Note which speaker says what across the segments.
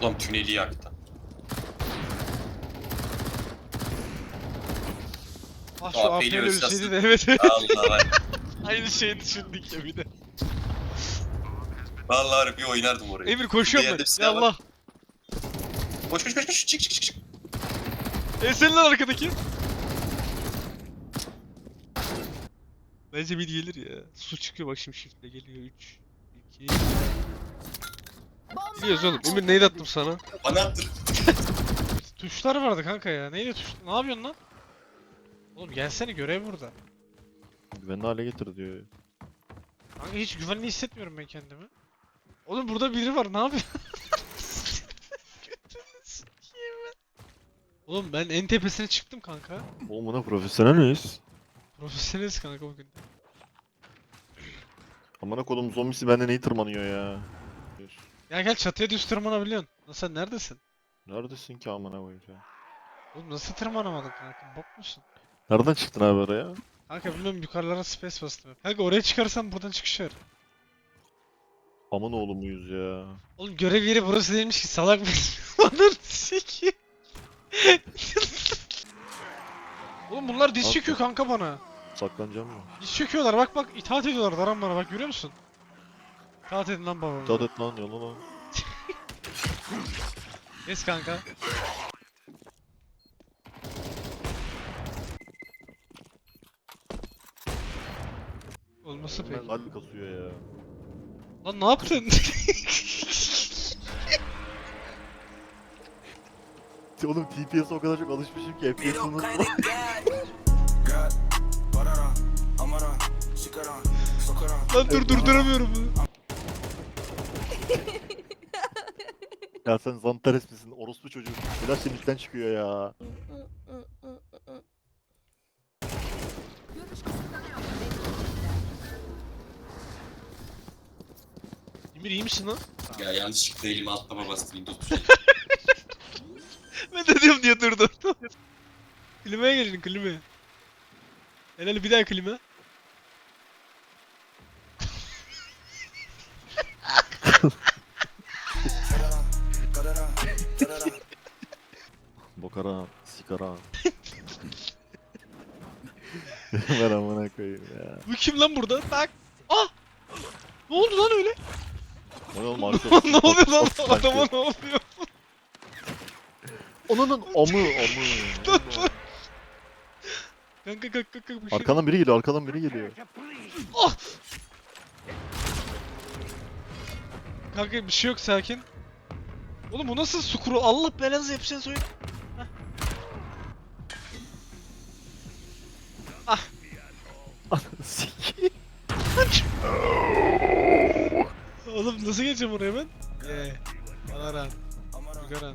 Speaker 1: Adam tüneli yaktı.
Speaker 2: Ah şu
Speaker 1: AP'li
Speaker 2: AP'li
Speaker 1: ölçüsü.
Speaker 2: ölseydi de evet.
Speaker 1: Allah var.
Speaker 2: Aynı şeyi düşündük ya bir de.
Speaker 1: Vallahi bir oynardım orayı.
Speaker 2: Emir koşuyorum
Speaker 1: Diğerde
Speaker 2: ben.
Speaker 1: bir
Speaker 2: Ya
Speaker 1: silah var.
Speaker 2: Allah.
Speaker 1: Koş koş koş koş. Çık çık çık çık.
Speaker 2: Senin lan arkadaki. Bence mid gelir ya. Su çıkıyor bak şimdi shift'le geliyor. 3 2 Biliyoruz oğlum. Emir neydi attım sana?
Speaker 1: Bana attır.
Speaker 2: Tuşlar vardı kanka ya. Neydi tuş? Ne yapıyorsun lan? Oğlum gelsene görev burada.
Speaker 3: Güvenli hale getir diyor.
Speaker 2: Kanka hiç güvenli hissetmiyorum ben kendimi. Oğlum burada biri var. Ne yapıyor? Götünü sikeyim ben. Oğlum ben en tepesine çıktım kanka.
Speaker 3: Oğlum buna profesyonel miyiz?
Speaker 2: Profesyoneliz kanka bugün.
Speaker 3: Amına kodum zombisi benden iyi tırmanıyor ya.
Speaker 2: Ya gel çatıya düz tırmanabiliyorsun. Lan sen neredesin?
Speaker 3: Neredesin ki amına koyayım ya?
Speaker 2: Oğlum nasıl tırmanamadın kanka? Bok musun?
Speaker 3: Nereden çıktın abi oraya?
Speaker 2: Kanka bilmiyorum yukarılara space bastım. Kanka oraya çıkarsam buradan çıkış var.
Speaker 3: Aman oğlum muyuz ya?
Speaker 2: Oğlum görev yeri burası değilmiş ki salak mısın? Ananı sikeyim. Oğlum bunlar diz
Speaker 3: Nasıl?
Speaker 2: çöküyor kanka bana.
Speaker 3: Saklanacağım mı?
Speaker 2: Diz çöküyorlar bak bak itaat ediyorlar Daran bana bak görüyor musun? İtaat edin lan babama.
Speaker 3: İtaat et lan yola lan.
Speaker 2: Kes kanka. Olması pek.
Speaker 3: Kalbi kasıyor ya.
Speaker 2: Lan ne yaptın?
Speaker 3: Oğlum TPS'e o kadar çok alışmışım ki FPS'im nasıl?
Speaker 2: Lan dur durduramıyorum bunu.
Speaker 3: Ya sen Zantares misin? Orospu çocuğu. Flash senin çıkıyor ya.
Speaker 2: Emir iyi misin lan?
Speaker 1: Ya yanlışlıkla elimi atlama bastım. Windows tuşuna.
Speaker 2: Ben de diyorum diye durdum. Klimaya gelin klimaya. Helal bir daha klima.
Speaker 3: Bokara, sikara. Ben amına koyayım ya.
Speaker 2: Bu kim lan burada? Bak. Ah! Ne oldu lan öyle?
Speaker 3: O ne oğlum arkadaş?
Speaker 2: Ne oluyor lan?
Speaker 3: Sanki.
Speaker 2: Adama ne oluyor?
Speaker 3: Onun amı.
Speaker 2: Kanka kanka bir şey.
Speaker 3: Arkadan biri geliyor, arkadan biri geliyor.
Speaker 2: Ah! Kanka bir şey yok sakin. Oğlum bu nasıl sukuru? Allah belanızı yapacağını söyle.
Speaker 3: Sikiyim.
Speaker 2: Oğlum nasıl geçeceğim oraya ben? Alaran. Yugaran.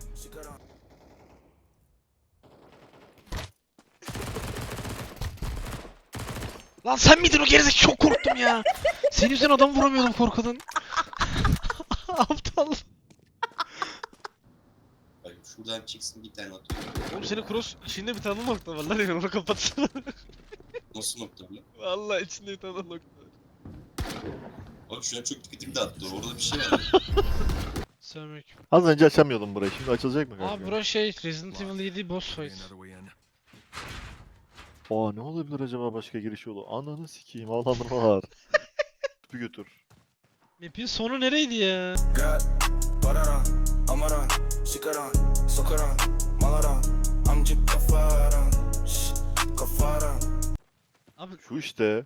Speaker 2: Lan sen miydin o gerizekalı? Çok korktum ya. Senin yüzünden adam vuramıyordum korkudan. Aptal.
Speaker 1: Bak şuradan çıksın bir tane atıyor.
Speaker 2: Oğlum senin cross içinde bir tane nokta var lan ya onu kapatsana.
Speaker 1: Nasıl nokta bile?
Speaker 2: Vallahi içinde bir tane nokta var.
Speaker 1: Bak şu an çok dikkatim dağıttı. Orada bir şey var.
Speaker 2: Selamünaleyküm.
Speaker 3: Az önce açamıyordum burayı, şimdi açılacak mı kanka?
Speaker 2: Abi bura şey Resident Evil 7 boss fight.
Speaker 3: Aa ne olabilir acaba başka giriş yolu? Ananı sikeyim, alanı var. Bir götür.
Speaker 2: Map'in sonu nereydi ya? Abi
Speaker 3: Şu işte.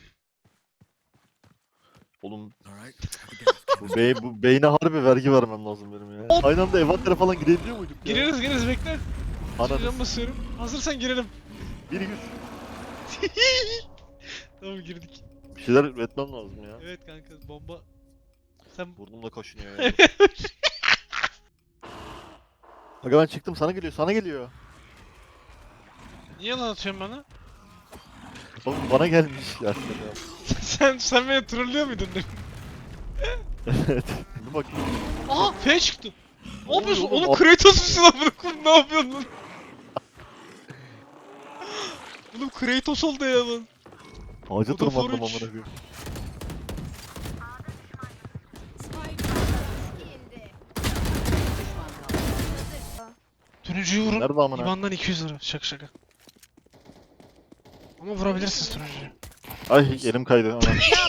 Speaker 3: Oğlum bu beyne harbi vergi vermem lazım benim ya. Aynı anda evatlere falan girebiliyor muyduk ya?
Speaker 2: gireriz bekle.
Speaker 3: Ananı
Speaker 2: Can basıyorum. Hazırsan girelim.
Speaker 3: bir güç.
Speaker 2: Tamam girdik.
Speaker 3: Bir şeyler üretmem lazım ya.
Speaker 2: Evet kanka bomba. Sen
Speaker 3: Burnumda kaşınıyor ya. Aga ben çıktım, sana geliyor, sana geliyor.
Speaker 2: niye lan atıyorsun bana?
Speaker 3: Oğlum bana gelmiş ya.
Speaker 2: sen beni trollüyor muydun demin?
Speaker 3: Evet. Dur bak.
Speaker 2: Aha F çıktı. Ne yapıyorsun?
Speaker 3: oğlum?
Speaker 2: Oğlum Kratos musun lan bunu? Ne yapıyorsun lan? Oğlum Kratos oldu ya lan.
Speaker 3: Ağaca
Speaker 2: Bu da
Speaker 3: tırmandım
Speaker 2: for
Speaker 3: amına
Speaker 2: üç.
Speaker 3: koyayım.
Speaker 2: Turuncuyu vurun.
Speaker 3: Nerede amına?
Speaker 2: İban'dan 200 lira. Şaka şaka. Ama vurabilirsiniz turuncuyu.
Speaker 3: Ay elim kaydı. Aman.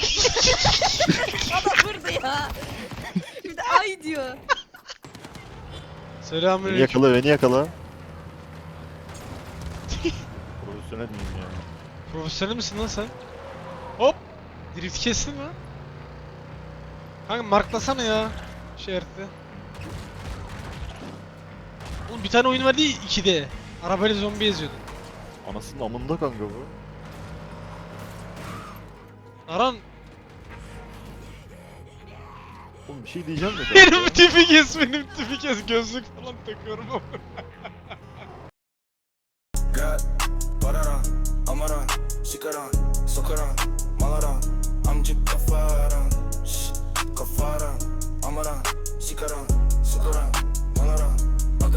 Speaker 4: Bana vurdu ya. Bir de ay diyor.
Speaker 3: Beni
Speaker 2: Selamünaleyküm.
Speaker 3: yakala, beni yakala. Profesyonel miyim ya?
Speaker 2: Profesyonel misin lan sen? Hop! Drift kestin mi? Kanka marklasana ya. Şey haritayı. Oğlum bir tane oyun vardı ya 2D. Arabayla zombi eziyordun.
Speaker 3: Anasının amında kanka bu.
Speaker 2: Aran
Speaker 3: Oğlum bir şey diyeceğim de kanka.
Speaker 2: benim tipi kes, benim tipi kes. Gözlük falan takıyorum ama.
Speaker 5: Got Bararan, Amaran, Sikaran, Sokaran, Malaran, Amcık kafaran, Kafaran, Amaran, Sikaran, Sokaran,